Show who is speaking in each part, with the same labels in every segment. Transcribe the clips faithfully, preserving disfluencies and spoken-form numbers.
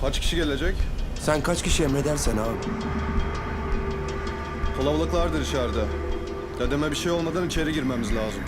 Speaker 1: Kaç kişi gelecek?
Speaker 2: Sen kaç kişi emredersen ağam.
Speaker 1: Kalabalıklardır içeride. Dedeme bir şey olmadan içeri girmemiz lazım.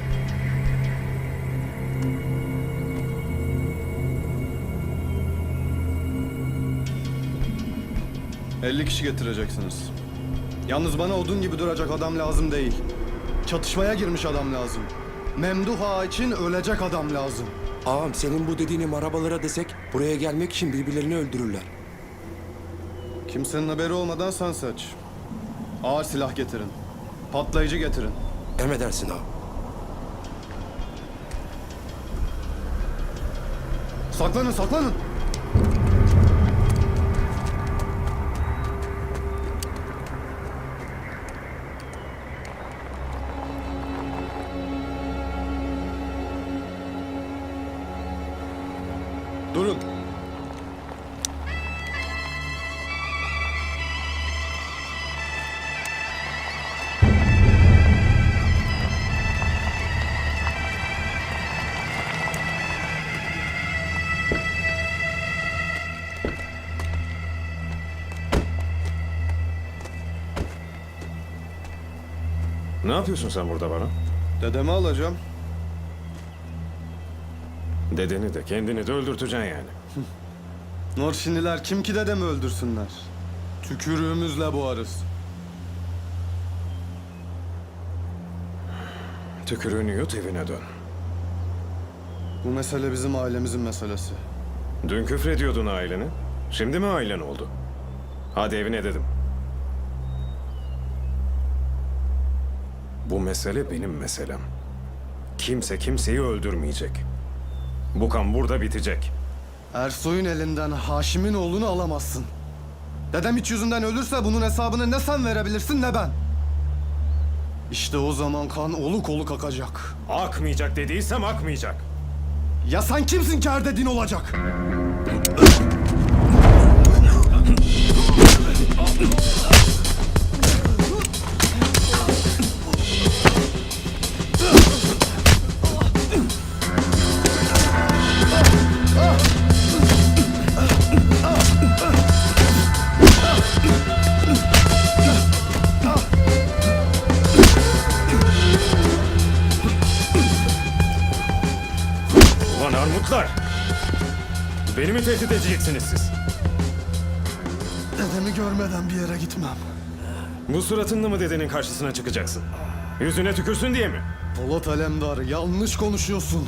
Speaker 1: elli kişi getireceksiniz. Yalnız bana odun gibi duracak adam lazım değil. Çatışmaya girmiş adam lazım. Memduh Ağa için ölecek adam lazım.
Speaker 2: Ağam senin bu dediğini marabalara desek buraya gelmek için birbirlerini öldürürler.
Speaker 1: Kimsenin haberi olmadan sen seç. Ağır silah getirin. Patlayıcı getirin.
Speaker 2: Emredersin ağam.
Speaker 1: Saklanın, saklanın! Durun.
Speaker 3: Ne yapıyorsun sen burada bana?
Speaker 1: Dedemi alacağım.
Speaker 3: Dedeni de kendini de öldürteceksin yani.
Speaker 1: Norşiniler kim ki dedemi öldürsünler? Tükürüğümüzle boğarız.
Speaker 3: Tükürüğünü yut evine dön.
Speaker 1: Bu mesele bizim ailemizin meselesi.
Speaker 3: Dün küfrediyordun aileni. Şimdi mi ailen oldu? Hadi evine dedim. Bu mesele benim meselem. Kimse kimseyi öldürmeyecek. Bu kan burada bitecek.
Speaker 1: Ersoy'un elinden Haşim'in oğlunu alamazsın. Dedem hiç yüzünden ölürse bunun hesabını ne sen verebilirsin ne ben. İşte o zaman kan oluk oluk akacak.
Speaker 3: Akmayacak dediysem akmayacak.
Speaker 1: Ya sen kimsin ki her dediğin olacak?
Speaker 3: Ulan armutlar! Beni mi tehdit edeceksiniz siz?
Speaker 1: Dedemi görmeden bir yere gitmem.
Speaker 3: Bu suratınla mı dedenin karşısına çıkacaksın? Yüzüne tükürsün diye mi?
Speaker 1: Polat Alemdar, yanlış konuşuyorsun.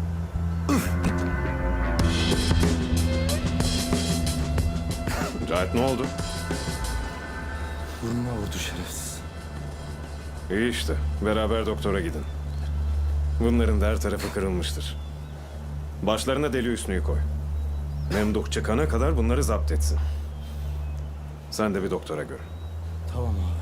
Speaker 3: Cahit ne oldu?
Speaker 1: Burnuma vurdu şerefsiz.
Speaker 3: İyi işte. Beraber doktora gidin. Bunların da her tarafı kırılmıştır. Başlarına deli üstünü koy. Memduh çıkana kadar bunları zapt etsin. Sen de bir doktora gör.
Speaker 2: Tamam ağam.